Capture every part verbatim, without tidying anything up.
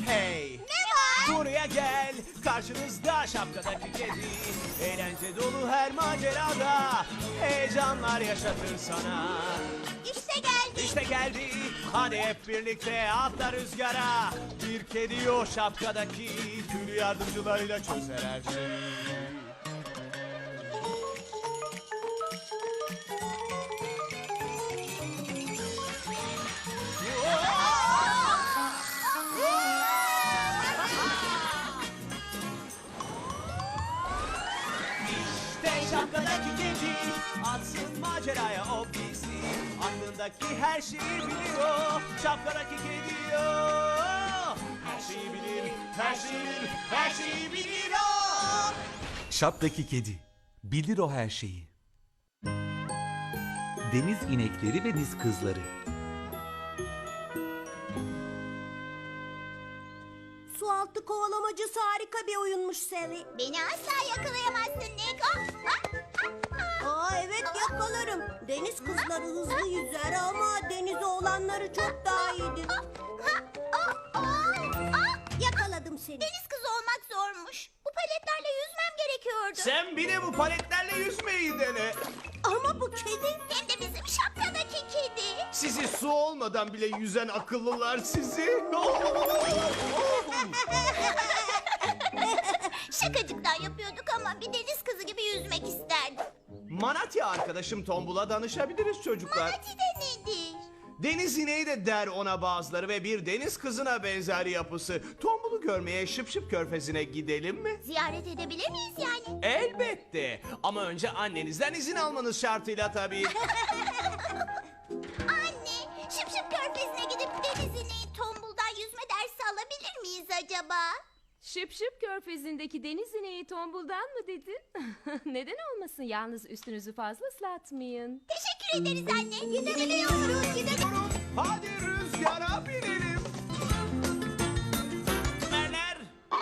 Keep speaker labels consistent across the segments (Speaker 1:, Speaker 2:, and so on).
Speaker 1: Hey!
Speaker 2: Ne var?
Speaker 1: Buraya gel, karşınızda şapkadaki kedi. Eğlence dolu her macerada heyecanlar yaşatır sana.
Speaker 2: İşte geldi.
Speaker 1: İşte geldi, hadi hep birlikte atla rüzgara. Bir kedi o şapkadaki, tüm yardımcılarıyla çözer her şeyi. İşte şapkadaki kedi, atsın maceraya o bizi. Aklındaki her şeyi biliyor, şapkadaki kedi o. Her şeyi bilir, her şeyi bilir, her şeyi bilir o.
Speaker 3: Şapkadaki kedi. Bilir o her şeyi. Deniz inekleri ve deniz kızları.
Speaker 4: Sualtı kovalamacası harika bir oyunmuş Sally.
Speaker 2: Beni asla yakalayamazsın Neko.
Speaker 4: Aa evet yakalarım. Deniz kızları hızlı yüzer ama deniz oğlanları çok daha iyidir. Yakaladım seni.
Speaker 2: Deniz kızı olmak zormuş. Bu paletlerle yüzmem gerekiyordu.
Speaker 1: Sen bir de bu paletlerle yüzmeyi dene.
Speaker 4: Ama bu kedi...
Speaker 2: Hem de bizim şapkadaki kedi.
Speaker 1: Sizi su olmadan bile yüzen akıllılar sizi.
Speaker 2: Şakacıktan yapıyorduk ama bir deniz kızı gibi yüzmek isterdim.
Speaker 1: Manatya arkadaşım Tombul'a danışabiliriz çocuklar.
Speaker 2: Manati de nedir?
Speaker 1: Deniz ineği de der ona bazıları ve bir deniz kızına benzer yapısı. Tombul'u görmeye Şıp Şıp Körfezi'ne gidelim mi?
Speaker 2: Ziyaret edebilir miyiz yani?
Speaker 1: Elbette. Ama önce annenizden izin almanız şartıyla tabii.
Speaker 2: Anne, Şıp Şıp Körfezi'ne gidip deniz ineği Tombul'dan yüzme dersi alabilir miyiz acaba?
Speaker 5: Şıp şıp körfezindeki deniz ineği tombuldan mı dedin? Neden olmasın, yalnız üstünüzü fazla ıslatmayın.
Speaker 2: Teşekkür ederiz anne. Gidebiliyoruz, gidebiliyoruz.
Speaker 1: Hadi rüzgara binelim. Merler.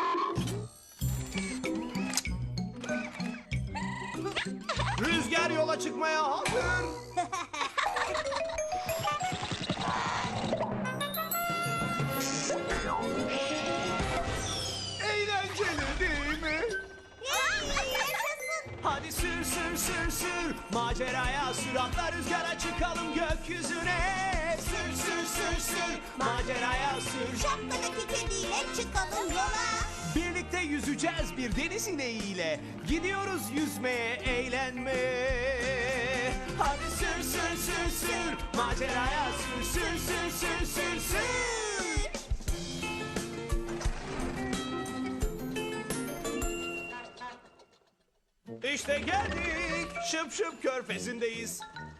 Speaker 1: Rüzgar yola çıkmaya hazır. Eğlenceli değil mi? Hadi sür sür sür sür maceraya sür, atla rüzgara çıkalım gökyüzüne. Sür sür sür sür maceraya sür.
Speaker 4: Şapkadaki kediyle çıkalım yola.
Speaker 1: Birlikte yüzeceğiz bir deniz ineğiyle. Gidiyoruz yüzmeye, eğlenmeye. Hadi sür sür sür sür maceraya sür sür sür sür sür sür. İşte geldik. Şıp şıp körfezindeyiz.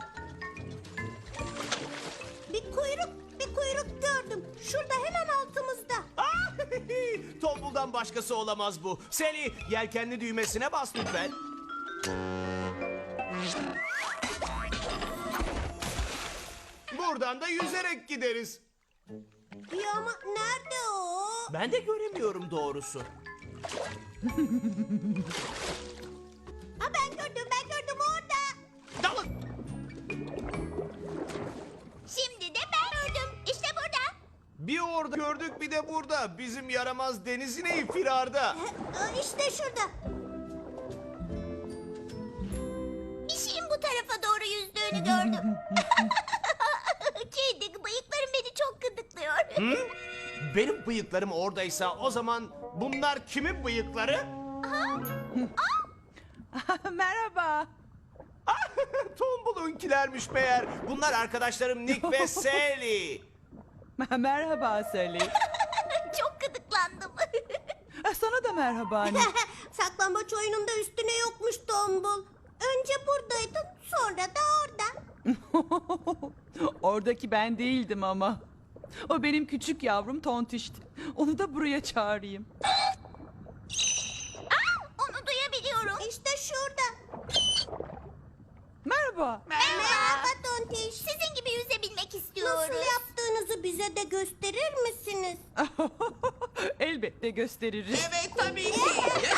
Speaker 4: Bir kuyruk, bir kuyruk gördüm. Şurada hemen altımızda.
Speaker 1: Ah, Tombul'dan başkası olamaz bu. Sally, yelkenli düğmesine bas lütfen. Buradan da yüzerek gideriz.
Speaker 4: Ya ama nerede o?
Speaker 1: Ben de göremiyorum doğrusu.
Speaker 4: Ha ben gördüm, ben gördüm orada.
Speaker 1: Dalın.
Speaker 2: Şimdi de ben gördüm. İşte burada.
Speaker 1: Bir orada gördük, bir de burada. Bizim yaramaz deniz ineği firarda.
Speaker 4: Aa, İşte şurada.
Speaker 2: Bir şeyin bu tarafa doğru yüzdüğünü gördüm. Kedi, bıyıklarım beni çok gıdıklıyor.
Speaker 1: Benim bıyıklarım oradaysa o zaman bunlar kimin bıyıkları?
Speaker 6: Merhaba.
Speaker 1: Tombul'unkilermiş meğer. Bunlar arkadaşlarım Nick ve Sally.
Speaker 6: Merhaba Sally.
Speaker 2: Çok gıdıklandım.
Speaker 6: Sana da merhaba anne.
Speaker 4: Saklambaç oyununda üstüne yokmuş Tombul. Önce buradaydın, sonra da orada.
Speaker 6: Oradaki ben değildim ama. O benim küçük yavrum Tontiş'ti. Onu da buraya çağırayım.
Speaker 2: Onu duyabiliyorum.
Speaker 4: İşte şurada.
Speaker 6: Merhaba.
Speaker 4: Merhaba Tontiş.
Speaker 2: Sizin gibi yüzebilmek istiyoruz.
Speaker 4: Nasıl yaptığınızı bize de gösterir misiniz?
Speaker 6: Elbette gösteririz.
Speaker 7: Evet tabii ki.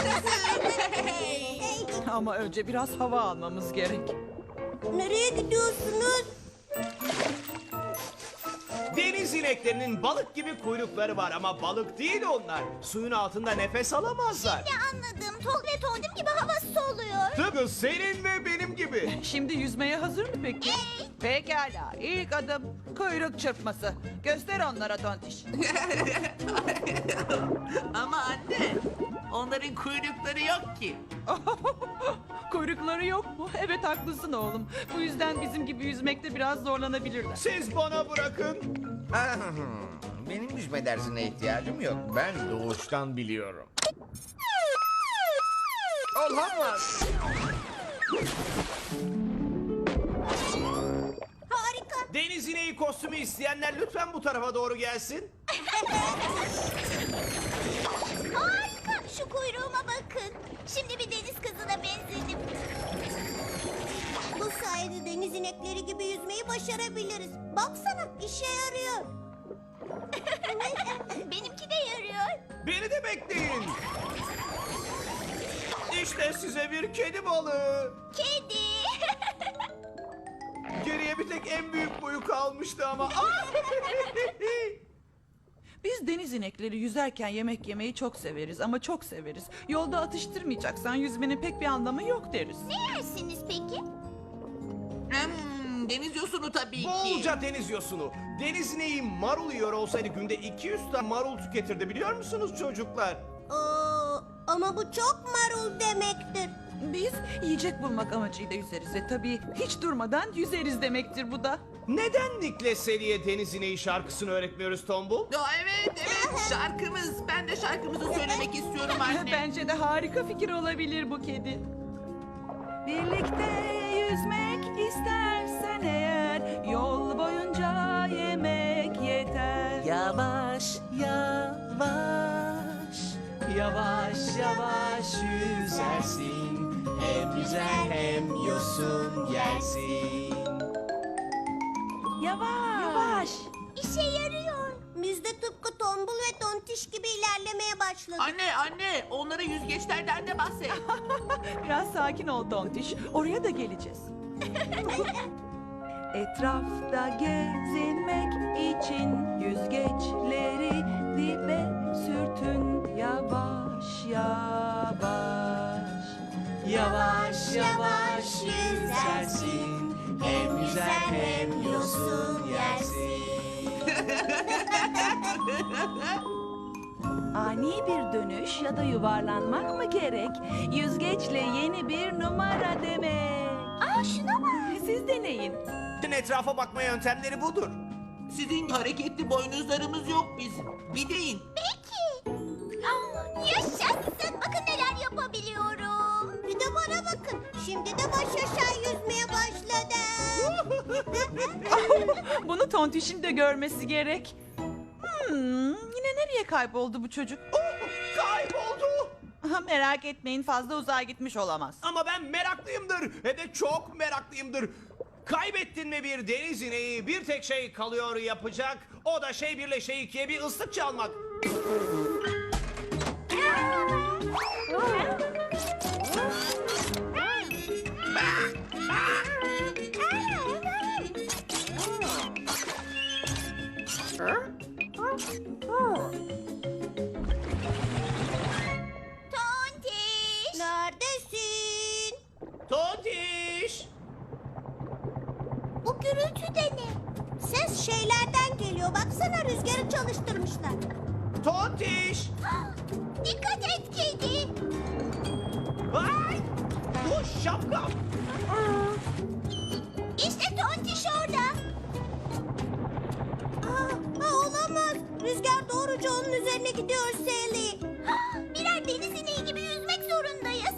Speaker 6: Ama önce biraz hava almamız gerek.
Speaker 4: Nereye gidiyorsunuz?
Speaker 1: Deniz Deniz ineklerinin balık gibi kuyrukları var ama balık değil onlar. Suyun altında nefes alamazlar.
Speaker 2: Ne anladım. Tol ve tondim gibi hava soluyor.
Speaker 1: Tıpkı senin ve benim gibi.
Speaker 6: Şimdi yüzmeye hazır mı peki? Pekala. İlk adım kuyruk çırpması. Göster onlara tontiş.
Speaker 7: Ama anne, onların kuyrukları yok ki.
Speaker 6: Kuyrukları yok mu? Evet haklısın oğlum. Bu yüzden bizim gibi yüzmekte biraz zorlanabilirler.
Speaker 1: Siz bana bırakın.
Speaker 8: Benim yüzme dersine ihtiyacım yok. Ben doğuştan biliyorum. Olamaz.
Speaker 2: Harika.
Speaker 1: Deniz ineği kostümü isteyenler lütfen bu tarafa doğru gelsin.
Speaker 2: Harika. Şu kuyruğuma bakın. Şimdi bir deniz kızına benzedim.
Speaker 4: Bu sayede deniz inekleri gibi yüzmeyi başarabiliriz. Baksana işe yarıyor.
Speaker 2: Benimki de yarıyor.
Speaker 1: Beni de bekleyin. İşte size bir kedi balığı.
Speaker 2: Kedi.
Speaker 1: Geriye bir tek en büyük boyu kalmıştı ama. Ah!
Speaker 6: Biz deniz inekleri yüzerken yemek yemeyi çok severiz ama çok severiz. Yolda atıştırmayacaksan yüzmenin pek bir anlamı yok deriz.
Speaker 2: Ne yersiniz peki?
Speaker 7: Hmm, deniz yosunu tabii ki.
Speaker 1: Bolca deniz yosunu. Deniz ineği marul yiyor olsaydı günde iki yüz tane marul tüketirdi biliyor musunuz çocuklar?
Speaker 4: Aa, ama bu çok marul demektir.
Speaker 6: Biz yiyecek bulmak amacıyla yüzeriz ve tabii hiç durmadan yüzeriz demektir bu da.
Speaker 1: Neden Nick'le Sally'e deniz ineği şarkısını öğretmiyoruz Tombul?
Speaker 7: Ya evet evet şarkımız. Ben de şarkımızı söylemek istiyorum anne.
Speaker 6: Bence de harika fikir olabilir bu kedi. Birlikte yüzmek istersen eğer yol boyunca yemek yeter.
Speaker 1: Yavaş yavaş Yavaş yavaş yüzersin Hem yüzer hem yosun yersin.
Speaker 6: Yavaş. Yavaş.
Speaker 2: İşe yarıyor.
Speaker 4: Biz de tıpkı tombul ve tontiş gibi ilerlemeye başladık.
Speaker 7: Anne anne onlara yüzgeçlerden de bahset.
Speaker 6: Biraz sakin ol Tontiş. Oraya da geleceğiz. Etrafta gezinmek için yüzgeçleri dibe sürtün yavaş yavaş.
Speaker 1: Yavaş yavaş yüzersin Hem yüzer hem yosun yersin.
Speaker 6: Ani bir dönüş ya da yuvarlanmak mı gerek? Yüzgeçle yeni bir numara demek.
Speaker 2: Aa şuna bak.
Speaker 6: Siz deneyin.
Speaker 1: Bütün etrafa bakma yöntemleri budur.
Speaker 7: Sizin hareketli boynuzlarımız yok bizim. Bir deyin.
Speaker 2: Peki. Aa, yaşasın. Bakın neler yapabiliyorum.
Speaker 4: Bir de bana bakın. Şimdi de baş aşağı yüzmeye başladım.
Speaker 6: Bunu Tontiş'in de görmesi gerek. Hmm, yine nereye kayboldu bu çocuk?
Speaker 1: Oh, kayboldu.
Speaker 6: Aha, merak etmeyin fazla uzağa gitmiş olamaz.
Speaker 1: Ama ben meraklıyımdır. He de çok meraklıyımdır. Kaybettin mi bir deniz ineği bir tek şey kalıyor yapacak. O da şey birle şey ikiye bir ıslık çalmak.
Speaker 2: Tontiş.
Speaker 4: Neredesin?
Speaker 1: Tontiş.
Speaker 2: Bu gürültü de ne?
Speaker 4: Ses şeylerden geliyor. Baksana rüzgarı çalıştırmışlar.
Speaker 1: Tontiş.
Speaker 2: Dikkat et kedi.
Speaker 1: Ay! Bu şapkam.
Speaker 2: İşte Tontiş orada.
Speaker 4: Aa, aa, olamaz. Rüzgar doğruca onun üzerine gidiyor Sally.
Speaker 2: Birer deniz ineği gibi yüzmek zorundayız.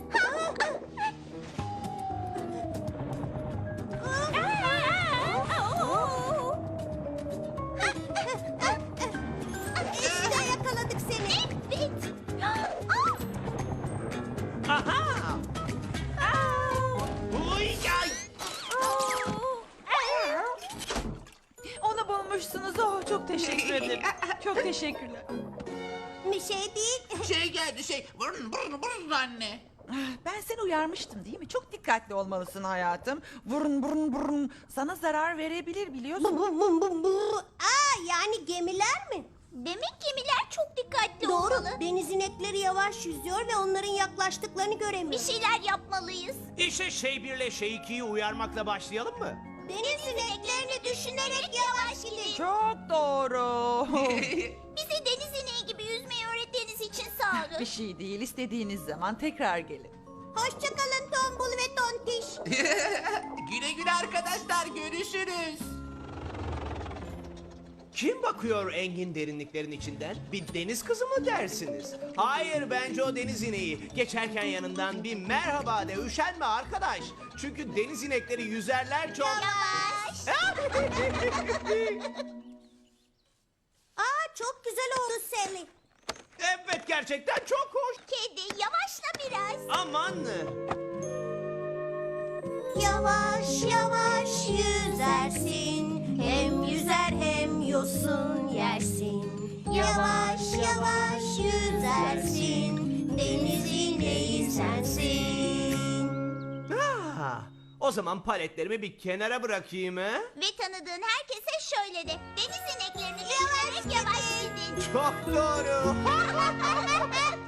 Speaker 4: İşte yakaladık seni.
Speaker 2: Evet.
Speaker 1: Aha! Uy, ay!
Speaker 6: Onu bulmuşsunuz. Oh, çok teşekkür ederim. Çok teşekkürler.
Speaker 4: Bir şey değil.
Speaker 7: Şey geldi şey. Vurun vurun vurun anne.
Speaker 6: Ben seni uyarmıştım değil mi? Çok dikkatli olmalısın hayatım. Burun burun burun sana zarar verebilir biliyorsun.
Speaker 4: Bum bum bum bum. Aa, yani gemiler mi?
Speaker 2: Demek gemiler çok dikkatli
Speaker 4: Doğru.
Speaker 2: olmalı.
Speaker 4: Deniz inekleri yavaş yüzüyor ve onların yaklaştıklarını
Speaker 2: Bir
Speaker 4: göremiyor.
Speaker 2: şeyler yapmalıyız.
Speaker 1: İşte şey birle şey ikiyi uyarmakla başlayalım mı?
Speaker 2: Deniz ineklerini düşünerek yavaş gidin.
Speaker 6: Çok doğru.
Speaker 2: Bize deniz ineği gibi yüzmeyi öğrettiğiniz için sağ olun.
Speaker 6: Bir şey değil. İstediğiniz zaman tekrar gelin.
Speaker 4: Hoşçakalın Tombul ve Tontiş.
Speaker 7: Güle güle arkadaşlar, görüşürüz.
Speaker 1: Kim bakıyor engin derinliklerin içinden? Bir deniz kızı mı dersiniz? Hayır, bence o deniz ineği. Geçerken yanından bir merhaba de, üşenme arkadaş. Çünkü deniz inekleri yüzerler çok...
Speaker 2: Yavaş.
Speaker 4: Aa, çok güzel oldu Sally.
Speaker 1: Evet, gerçekten çok hoş.
Speaker 2: Kedi yavaşla biraz.
Speaker 1: Aman.
Speaker 4: Yavaş yavaş yüzersin. Hem yüzer hem yosun yersin. Yavaş yavaş yüzersin. Deniz ineği sensin.
Speaker 1: Ah, o zaman paletlerimi bir kenara bırakayım he?
Speaker 2: Ve tanıdığın herkese şöyle de. Deniz ineklerini düşünerek yavaş gidin.
Speaker 1: Çok doğru.